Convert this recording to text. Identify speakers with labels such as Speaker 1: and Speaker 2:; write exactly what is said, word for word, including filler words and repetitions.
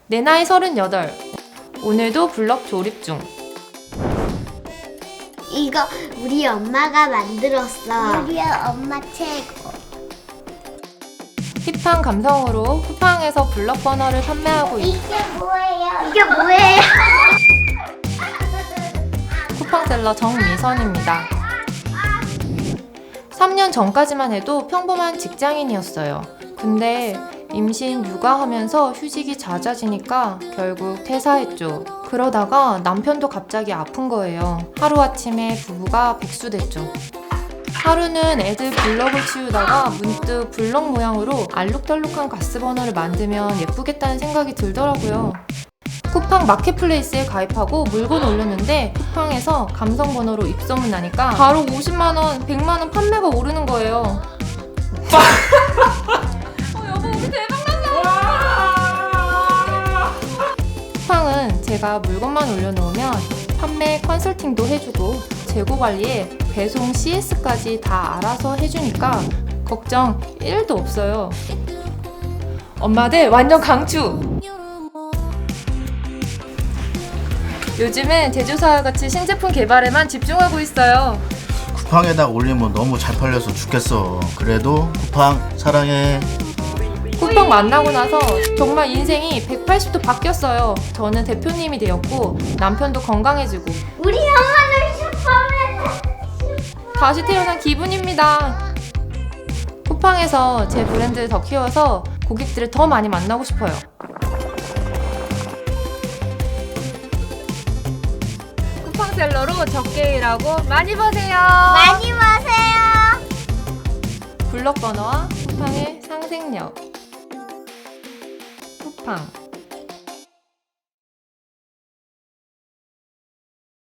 Speaker 1: 내 나이 서른여덟. 오늘도 블럭 조립 중.
Speaker 2: 이거 우리 엄마가 만들었어. 우리 엄마 최고.
Speaker 1: 힙한 감성으로 쿠팡에서 블럭 버너를 판매하고 있는
Speaker 2: 이게 뭐예요? 이게 뭐예요?
Speaker 1: 쿠팡셀러 정미선입니다. 삼 년 전까지만 해도 평범한 직장인이었어요. 근데 임신 육아하면서 휴직이 잦아지니까 결국 퇴사했죠. 그러다가 남편도 갑자기 아픈 거예요. 하루아침에 부부가 백수됐죠. 하루는 애들 블럭을 치우다가 문득 블럭 모양으로 알록달록한 가스버너를 만들면 예쁘겠다는 생각이 들더라고요. 쿠팡 마켓플레이스에 가입하고 물건 올렸는데 쿠팡에서 감성 번호로 입소문 나니까 바로 오십만 원, 백만 원 판매가 오르는 거예요. 어, 여보, 우리 대박났다. 쿠팡은 제가 물건만 올려놓으면 판매 컨설팅도 해주고 재고 관리에 배송 씨에스까지 다 알아서 해주니까 걱정 일도 없어요. 엄마들 완전 강추! 요즘은 제조사와 같이 신제품 개발에만 집중하고 있어요.
Speaker 3: 쿠팡에다 올리면 너무 잘 팔려서 죽겠어. 그래도 쿠팡 사랑해.
Speaker 1: 쿠팡 만나고 나서 정말 인생이 백팔십 도 바뀌었어요. 저는 대표님이 되었고 남편도 건강해지고
Speaker 2: 우리 엄마는 슈퍼맨.
Speaker 1: 다시 태어난 기분입니다. 쿠팡에서 제 브랜드를 더 키워서 고객들을 더 많이 만나고 싶어요. 쿠팡셀러로 적게 일하고 많이 버세요.
Speaker 2: 많이 마세요.
Speaker 1: 블럭 버너와 쿠팡의 상생력. 쿠팡